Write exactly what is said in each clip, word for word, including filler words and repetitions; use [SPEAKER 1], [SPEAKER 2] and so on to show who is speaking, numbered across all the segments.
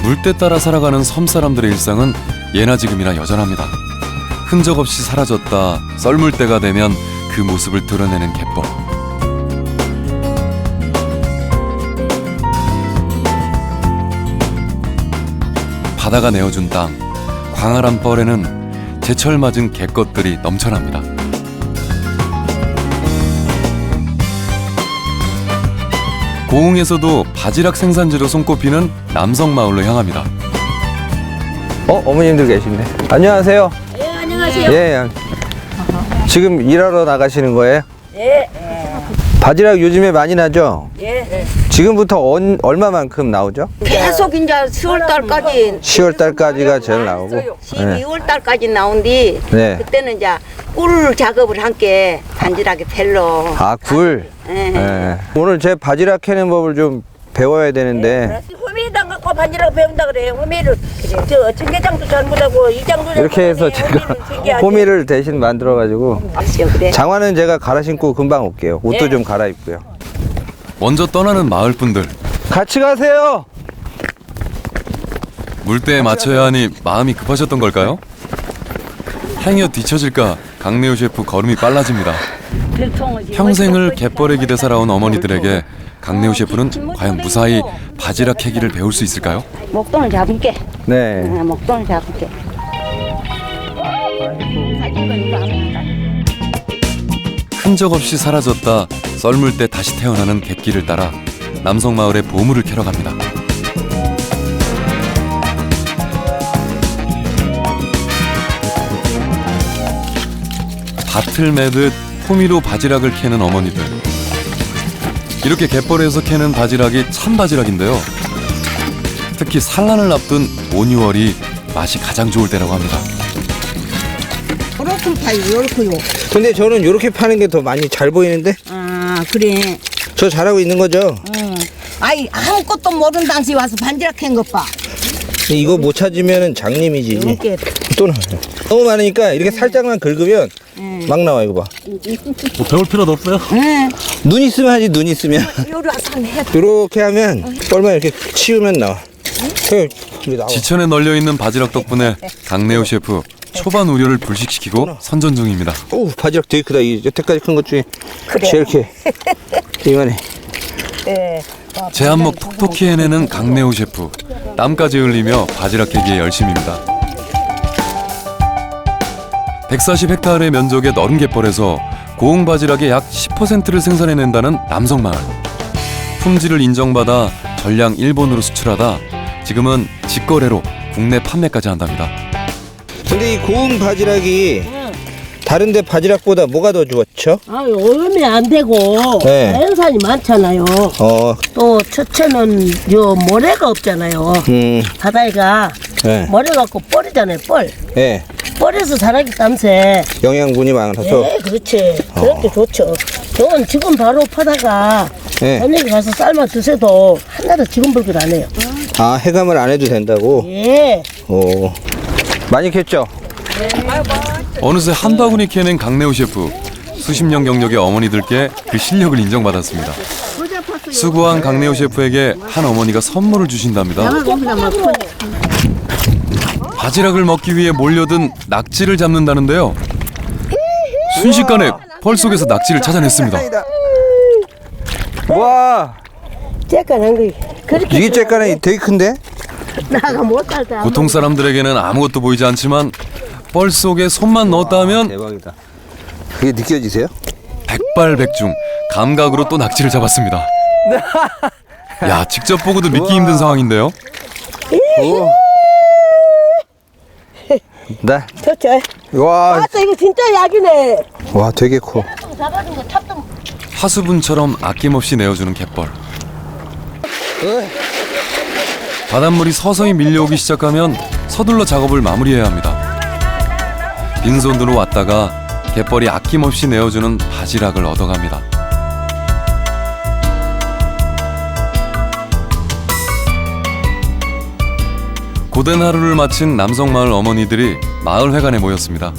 [SPEAKER 1] 물때 따라 살아가는 섬 사람들의 일상은 예나 지금이나 여전합니다. 흔적 없이 사라졌다 썰물 때가 되면 그 모습을 드러내는 갯벌. 바다가 내어준 땅, 광활한 뻘에는 제철 맞은 갯것들이 넘쳐납니다. 고흥에서도 바지락 생산지로 손꼽히는 남성마을로 향합니다.
[SPEAKER 2] 어? 어머님들 계시네. 안녕하세요.
[SPEAKER 3] 예, 안녕하세요.
[SPEAKER 2] 예. 지금 일하러 나가시는 거예요?
[SPEAKER 3] 예.
[SPEAKER 2] 바지락 요즘에 많이 나죠?
[SPEAKER 3] 예.
[SPEAKER 2] 지금부터 언, 얼마만큼 나오죠?
[SPEAKER 3] 계속 이제 시월 달까지
[SPEAKER 2] 시월 달까지가 제일 나오고. 네.
[SPEAKER 3] 십이월 달까지 나온디
[SPEAKER 2] 네.
[SPEAKER 3] 그때는 이제 꿀 작업을 함께 반지락에 펠로.
[SPEAKER 2] 아, 굴.
[SPEAKER 3] 예.
[SPEAKER 2] 예. 오늘 제 바지락 캐는 법을 좀 배워야 되는데
[SPEAKER 3] 호미당 갖고 반지락 배운다 그래. 호미를 저 청계장도 잘못하고 이장도
[SPEAKER 2] 이렇게 해서 제가 호미를 대신 만들어 가지고
[SPEAKER 3] 그래.
[SPEAKER 2] 장화는 제가 갈아 신고 금방 올게요. 옷도
[SPEAKER 3] 예.
[SPEAKER 2] 좀 갈아입고요.
[SPEAKER 1] 먼저 떠나는 마을 분들.
[SPEAKER 2] 같이 가세요.
[SPEAKER 1] 물때에 맞춰야 하니 마음이 급하셨던 걸까요? 행여 뒤처질까 강내우 셰프 걸음이 빨라집니다. 평생을 갯벌에 기대 살아온 어머니들에게 강내우 셰프는 과연 무사히 바지락 캐기를 배울 수 있을까요?
[SPEAKER 3] 목돈을 잡을게.
[SPEAKER 2] 네.
[SPEAKER 3] 응, 목돈을 잡을게.
[SPEAKER 1] 흔적 없이 사라졌다 썰물 때 다시 태어나는 갯길을 따라 남성마을의 보물을 캐러 갑니다. 밭을 매듯 호미로 바지락을 캐는 어머니들. 이렇게 갯벌에서 캐는 바지락이 참 바지락인데요. 특히 산란을 앞둔 오, 유월이 맛이 가장 좋을 때라고 합니다.
[SPEAKER 3] 그렇군 파요, 요렇게요.
[SPEAKER 2] 근데 저는 이렇게 파는 게 더 많이 잘 보이는데?
[SPEAKER 3] 아, 그래.
[SPEAKER 2] 저 잘하고 있는 거죠?
[SPEAKER 3] 응. 아이 아무것도 모르는 당시 와서 반지락 캔 것 봐.
[SPEAKER 2] 이거 못 찾으면 장님이지.
[SPEAKER 3] 이렇게.
[SPEAKER 2] 또 나와요. 너무 많으니까 이렇게 살짝만 긁으면 막 나와. 이거 봐.
[SPEAKER 4] 뭐 배울 필요도 없어요?
[SPEAKER 3] 응.
[SPEAKER 2] 눈 있으면 하지. 눈 있으면.
[SPEAKER 3] 요리 와서 해.
[SPEAKER 2] 이렇게 하면 뻘만 이렇게 치우면 나와. 이게 나와.
[SPEAKER 1] 지천에 널려있는 바지락 덕분에 강내우 셰프 초반 우려를 불식시키고 선전 중입니다.
[SPEAKER 2] 오, 바지락 되게 크다. 이 여태까지 큰 것 중에
[SPEAKER 3] 그래.
[SPEAKER 2] 제일 크. 이만해.
[SPEAKER 3] 네.
[SPEAKER 1] 제 안목 톡톡히 해내는 강내우 셰프. 땀까지 흘리며 바지락 캐기에 열심입니다. 백사십 헥타르의 면적의 넓은 갯벌에서 고흥 바지락의 약 십 퍼센트를 생산해낸다는 남성마을. 품질을 인정받아 전량 일본으로 수출하다 지금은 직거래로 국내 판매까지 한답니다.
[SPEAKER 2] 근데 이 고흥 바지락이 다른데 바지락보다 뭐가 더 좋죠?
[SPEAKER 5] 아, 오염이 안 되고
[SPEAKER 2] 네.
[SPEAKER 5] 자연산이 많잖아요.
[SPEAKER 2] 어,
[SPEAKER 5] 또 첫째는 요 모래가 없잖아요.
[SPEAKER 2] 음,
[SPEAKER 5] 바다가
[SPEAKER 2] 네,
[SPEAKER 5] 모래 갖고 뻘이잖아요. 뻘.
[SPEAKER 2] 네.
[SPEAKER 5] 뻘에서 자라기 땀새.
[SPEAKER 2] 영양분이 많아서.
[SPEAKER 5] 네, 그렇지. 그렇게 좋죠. 저건 지금 바로 파다가
[SPEAKER 2] 네.
[SPEAKER 5] 저녁에 가서 삶아 드셔도 하나도 지금 불길 안 해요.
[SPEAKER 2] 아, 해감을 안 해도 된다고?
[SPEAKER 5] 예.
[SPEAKER 2] 오, 많이 캤죠?
[SPEAKER 1] 어느새 한 바구니 캐낸 강내우 셰프. 수십 년 경력의 어머니들께 그 실력을 인정받았습니다. 수고한 강내우 셰프에게 한 어머니가 선물을 주신답니다. 바지락을 먹기 위해 몰려든 낙지를 잡는다는데요. 순식간에 펄 속에서 낙지를 찾아냈습니다.
[SPEAKER 2] 와,
[SPEAKER 5] 쬐깐한 거. 그렇게
[SPEAKER 2] 이게 쬐깐이 되게 큰데?
[SPEAKER 5] 나가 못 살다.
[SPEAKER 1] 보통 사람들에게는 아무것도 보이지 않지만 펄 속에 손만 넣었다 하면
[SPEAKER 2] 대박이다. 그게 느껴지세요?
[SPEAKER 1] 백발백중 감각으로 또 낙지를 잡았습니다. 야, 직접 보고도 믿기 힘든 상황인데요.
[SPEAKER 2] 오. 네.
[SPEAKER 5] 좋죠.
[SPEAKER 2] 와,
[SPEAKER 5] 아, 또 이거 진짜 약이네.
[SPEAKER 2] 와, 되게 커.
[SPEAKER 5] 잡아준 거 탑도.
[SPEAKER 1] 하수분처럼 아낌없이 내어주는 갯벌. 바닷물이 서서히 밀려오기 시작하면 서둘러 작업을 마무리해야 합니다. 빈손으로 왔다가 갯벌이 아낌없이 내어주는 바지락을 얻어갑니다. 고된 하루를 마친 남성마을 어머니들이 마을회관에 모였습니다.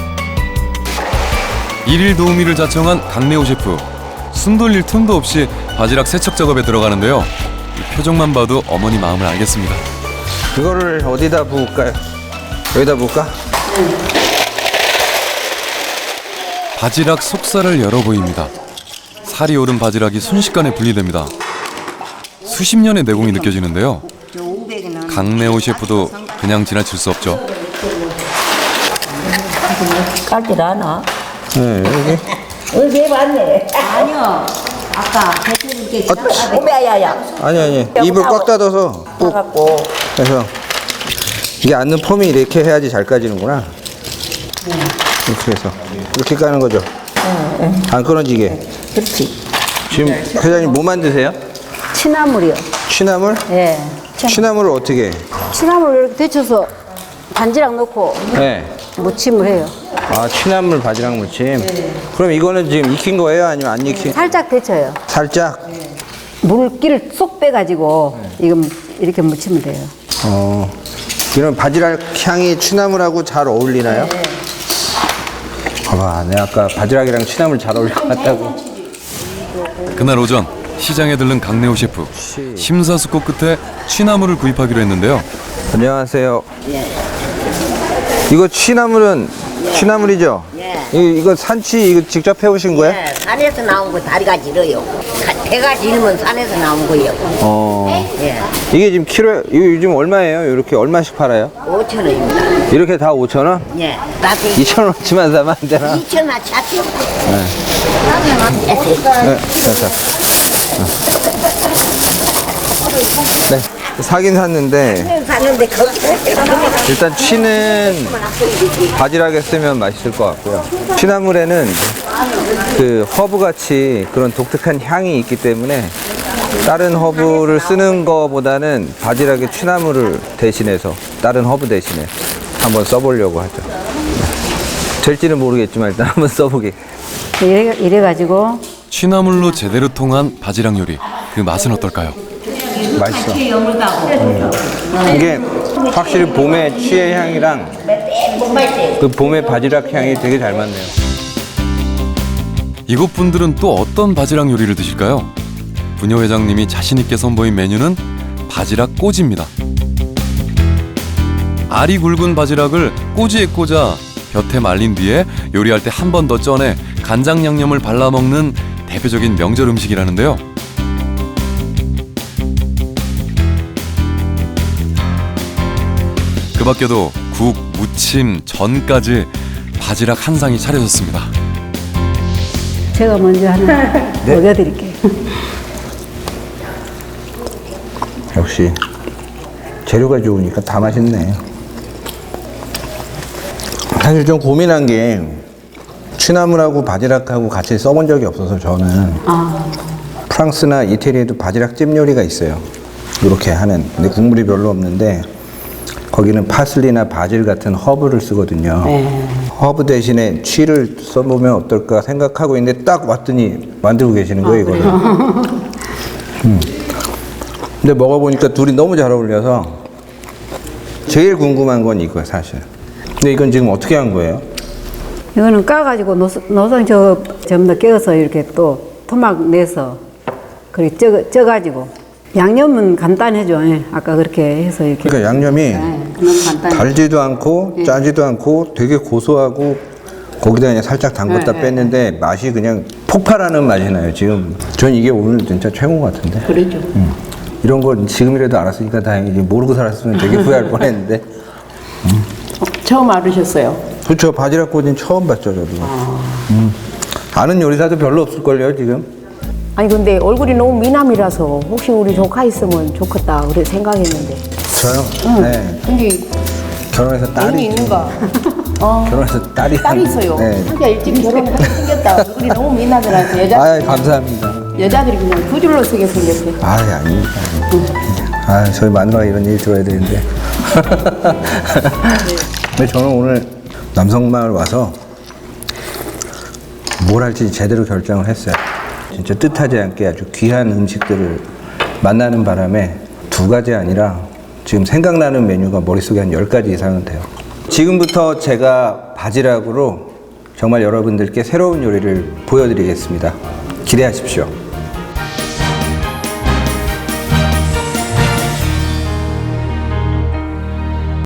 [SPEAKER 1] 일일 도우미를 자청한 강내우 셰프. 숨 돌릴 틈도 없이 바지락 세척 작업에 들어가는데요. 이 표정만 봐도 어머니 마음을 알겠습니다.
[SPEAKER 2] 이거를 어디다 부을까요? 여기다 부을까?
[SPEAKER 1] 바지락 속살을 열어 보입니다. 살이 오른 바지락이 순식간에 분리됩니다. 수십 년의 내공이 느껴지는데요. 강내호 셰프도 그냥 지나칠 수 없죠.
[SPEAKER 3] 깔질 않아?
[SPEAKER 2] 네, 여기.
[SPEAKER 3] 언제 해봤네.
[SPEAKER 5] 아니요. 아까 배추를 이렇게
[SPEAKER 3] 오메야야.
[SPEAKER 2] 아니, 아니. 입을 꽉 닫아서 꾹
[SPEAKER 3] 갖고
[SPEAKER 2] 해서. 이게 앉는 폼이 이렇게 해야지 잘 까지는구나. 이렇게 해서. 이렇게 까는 거죠? 안 끊어지게.
[SPEAKER 3] 그렇지.
[SPEAKER 2] 지금 회장님 뭐 만드세요?
[SPEAKER 6] 취나물이요.
[SPEAKER 2] 취나물?
[SPEAKER 6] 예.
[SPEAKER 2] 취나물을 어떻게?
[SPEAKER 6] 취나물 이렇게 데쳐서 반지락 넣고
[SPEAKER 2] 네.
[SPEAKER 6] 무침을 해요.
[SPEAKER 2] 아, 취나물 바지락 무침. 그럼 이거는 지금 익힌 거예요? 아니면 안 익힌?
[SPEAKER 6] 살짝 데쳐요.
[SPEAKER 2] 살짝?
[SPEAKER 6] 물기를 쏙 빼가지고 이건 이렇게 무치면 돼요.
[SPEAKER 2] 어. 이런 바지락 향이 취나물하고 잘 어울리나요?
[SPEAKER 6] 네.
[SPEAKER 2] 봐봐, 내가 아까 바지락이랑 취나물 잘 어울릴 것 같다고.
[SPEAKER 1] 그날 오전 시장에 들른 강내호 셰프. 심사숙고 끝에 취나물을 구입하기로 했는데요.
[SPEAKER 2] 안녕하세요. 이거 취나물은 취나물이죠?
[SPEAKER 3] 예.
[SPEAKER 2] 이, 이거 산치 이거 직접 해오신 거예요?
[SPEAKER 3] 예, 산에서 나온 거 다리가 길어요. 가- 배가 길으면 산에서 나온 거예요.
[SPEAKER 2] 어.
[SPEAKER 3] 예,
[SPEAKER 2] 이게 지금 키로 이거 요즘 얼마예요? 이렇게 얼마씩 팔아요?
[SPEAKER 3] 오천 원입니다.
[SPEAKER 2] 이렇게 다 오천 원?
[SPEAKER 3] 예, 나한테
[SPEAKER 2] 이천 원치만 사면 안 되나?
[SPEAKER 3] 이천 원 차트.
[SPEAKER 2] 네, 됐어. 네, 사긴 샀는데
[SPEAKER 3] 샀는데 거기
[SPEAKER 2] 일단 취는 바지락에 쓰면 맛있을 것 같고요. 취나물에는 그 허브 같이 그런 독특한 향이 있기 때문에 다른 허브를 쓰는 거보다는 바지락에 취나물을 대신해서 다른 허브 대신에 한번 써보려고 하죠. 될지는 모르겠지만 일단 한번 써보게.
[SPEAKER 6] 이래, 이래가지고
[SPEAKER 1] 취나물로 제대로 통한 바지락 요리. 그 맛은 어떨까요?
[SPEAKER 2] 맛있어. 음. 이게 확실히 봄의 취의 향이랑 그 봄의 바지락 향이 되게 잘 맞네요.
[SPEAKER 1] 이곳 분들은 또 어떤 바지락 요리를 드실까요? 부녀 회장님이 자신 있게 선보인 메뉴는 바지락 꼬지입니다. 알이 굵은 바지락을 꼬지에 꽂아 볕에 말린 뒤에 요리할 때 한 번 더 쪄내 간장 양념을 발라 먹는 대표적인 명절 음식이라는데요. 그 밖에도 국, 무침, 전까지 바지락 한 상이 차려졌습니다.
[SPEAKER 6] 제가 먼저 하나 먹여드릴게요.
[SPEAKER 2] 역시 재료가 좋으니까 다 맛있네. 사실 좀 고민한 게 취나물하고 바지락하고 같이 써본 적이 없어서 저는 프랑스나 이태리에도 바지락찜 요리가 있어요. 이렇게 하는. 근데 국물이 별로 없는데 거기는 파슬리나 바질 같은 허브를 쓰거든요. 허브 대신에 취를 써보면 어떨까 생각하고 있는데 딱 왔더니 만들고 계시는 거예요, 이거를. 음. 근데 먹어보니까 둘이 너무 잘 어울려서 제일 궁금한 건 이거예요, 사실. 근데 이건 지금 어떻게 한 거예요?
[SPEAKER 6] 이거는 까가지고 노선, 노선 저 전부 다 깨어서 이렇게 또 토막 내서 그렇게 쪄, 쪄가지고 양념은 간단해죠. 예. 아까 그렇게 해서 이렇게.
[SPEAKER 2] 그러니까 양념이
[SPEAKER 6] 네, 너무 간단해.
[SPEAKER 2] 달지도 않고 짜지도 않고 되게 고소하고 거기다 그냥 살짝 담궜다
[SPEAKER 6] 네,
[SPEAKER 2] 뺐는데 맛이 그냥 폭발하는 맛이 나요, 지금. 전 이게 오늘 진짜 최고 같은데.
[SPEAKER 6] 그러죠.
[SPEAKER 2] 음. 이런 거 지금이라도 알았으니까 다행이지. 모르고 살았으면 되게 후회할 뻔했는데.
[SPEAKER 5] 처음 알으셨어요?
[SPEAKER 2] 그렇죠. 바지락 꼬지는 처음 봤죠, 저도. 음. 아는 요리사도 별로 없을걸요, 지금.
[SPEAKER 5] 아니 근데 얼굴이 너무 미남이라서 혹시 우리 조카 있으면 좋겠다 그래 생각했는데.
[SPEAKER 2] 저요? 네.
[SPEAKER 5] 근데
[SPEAKER 2] 결혼해서 딸이
[SPEAKER 5] 애인이
[SPEAKER 2] 있죠.
[SPEAKER 5] 있는가? 어.
[SPEAKER 2] 결혼해서 딸이
[SPEAKER 5] 딸이 있어요.
[SPEAKER 2] 네.
[SPEAKER 5] 한가 일찍 결혼하게 생겼다. 얼굴이 너무 미남이라서 여자
[SPEAKER 2] 아, 감사합니다.
[SPEAKER 5] 여자들이 그냥 그 줄로 쓰게 생겼어요.
[SPEAKER 2] 아, 아닙니다. 아, 저희 마누라가 이런 얘기 들어야 되는데. 근데 저는 오늘 남성마을 와서 뭘 할지 제대로 결정을 했어요. 진짜 뜻하지 않게 아주 귀한 음식들을 만나는 바람에 두 가지 아니라 지금 생각나는 메뉴가 머릿속에 한 열 가지 이상은 돼요. 지금부터 제가 바지락으로 정말 여러분들께 새로운 요리를 보여드리겠습니다. 기대하십시오.